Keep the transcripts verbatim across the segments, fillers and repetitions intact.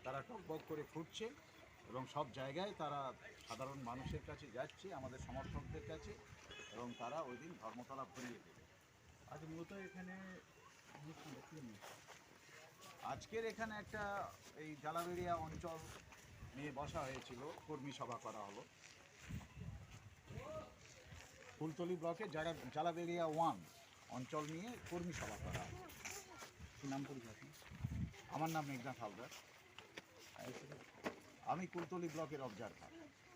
তারা টকবক করে ফুটছে এবং সব জায়গায় তারা সাধারণ মানুষের কাছে যাচ্ছে, আমাদের সমর্থকদের কাছে, এবং তারা ওই দিন ধর্মতলা ভরিয়ে দেবে। আজ মূলত এখানে আজকের এখানে একটা এই জালাবেড়িয়া অঞ্চল নিয়ে বসা হয়েছিল, কর্মী সভা করা হলো। ফুলতলি ব্লকে যারা জালাবেড়িয়া ওয়ান অঞ্চল নিয়ে কর্মী সভা করা হলো। কি নাম পরিচয়? আমার নাম মেঘনাথ হালদার, আমি কুলতলি ব্লকের অবজারভার।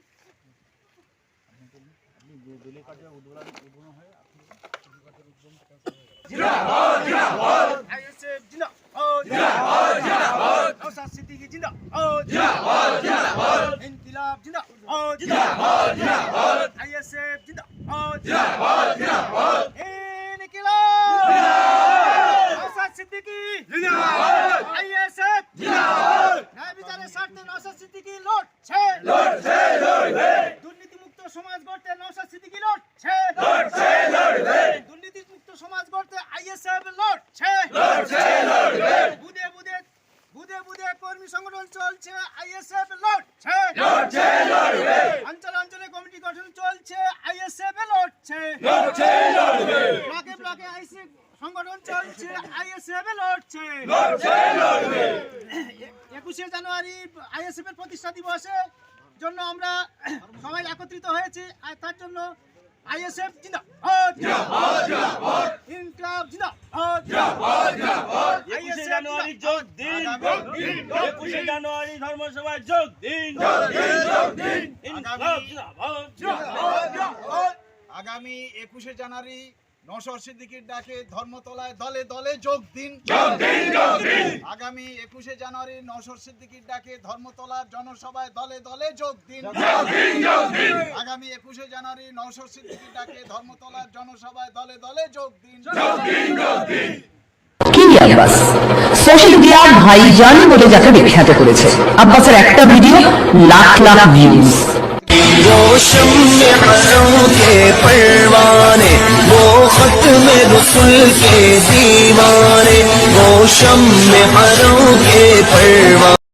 আপনি দলীয় কার্যের উদ্বোধন উদ্বোধন হয়ে আপনি কার্যের উদ্বোধন জিন্দাবাদ জিন্দাবাদ আইএসএফ জিন্দাবাদ জিন্দাবাদ জিন্দাবাদ নওশাদ সিদ্দিকী জিন্দাবাদ জিন্দাবাদ জিন্দাবাদ ইনকিলাব জিন্দাবাদ জিন্দাবাদ জিন্দাবাদ আইএসএফ জিন্দাবাদ জিন্দাবাদ জিন্দাবাদ ইনকিলাব জিন্দাবাদ নওশাদ সিদ্দিকী জিন্দাবাদ আইএসএফ জিন্দাবাদ ন্যায় বিচারের স্বার্থে নওশাদ সিদ্দিকী লড়ছে লড়ছে লড়বে দুর্নীতিমুক্ত সমাজ গড়তে নওশাদ সিদ্দিকী লড়ছে লড়ছে লড়বে দুর্নীতিমুক্ত সমাজ গড়তে আইএসএফ লড়ছে লড়ছে লড়বে বুদে বুদে বুদে বুদে কর্মী সংগঠন চলছে, আইএসএফ লড়ছে লড়ছে লড়বে অঞ্চল অঞ্চলে কমিটি গঠন চলছে, আইএসএফ লড়ছে লড়ছে লড়বে ব্লকে ব্লকে আইএসএফ সংগঠন চলছে, আইএসএফ লড়ছে লড়ছে লড়বে একুশে জানুয়ারি আইএসএফ এর প্রতিষ্ঠা দিবসে জন্য আমরা সবাই একত্রিত হয়েছি, আর তার জন্য আইএসএফ জিন্দাবাদ জিন্দাবাদ জিন্দাবাদ ইনকিলাব জিন্দাবাদ জিন্দাবাদ জিন্দাবাদ একুশে জানুয়ারি যোগ দিন একুশে জানুয়ারি ধর্মসভায় যোগ দিন যোগ দিন যোগ দিন ইনকিলাব জিন্দাবাদ জিন্দাবাদ জিন্দাবাদ আগামী একুশে জানুয়ারি নওশাদ সিদ্দিকীর ডাকে ধর্মতলায় দলে দলে যোগ দিন যোগ দিন যোগ দিন আগামী একুশে জানুয়ারি নওশাদ সিদ্দিকীর ডাকে ধর্মতলার জনসভায় দলে দলে যোগ দিন যোগ দিন যোগ দিন আগামী একুশে জানুয়ারি নওশাদ সিদ্দিকীর ডাকে ধর্মতলার জনসভায় দলে দলে যোগ দিন যোগ দিন যোগ দিন কি আব্বাস সোশ্যাল মিডিয়ার ভাইজান বলে যাকে বিখ্যাত করেছে, আব্বাসের একটা ভিডিও লাখ লাখ ভিউজ। वो शम्मे हरों के परवाने, वो खत्म रसूल के दीवाने, वो शम्मे हरों के परवाने।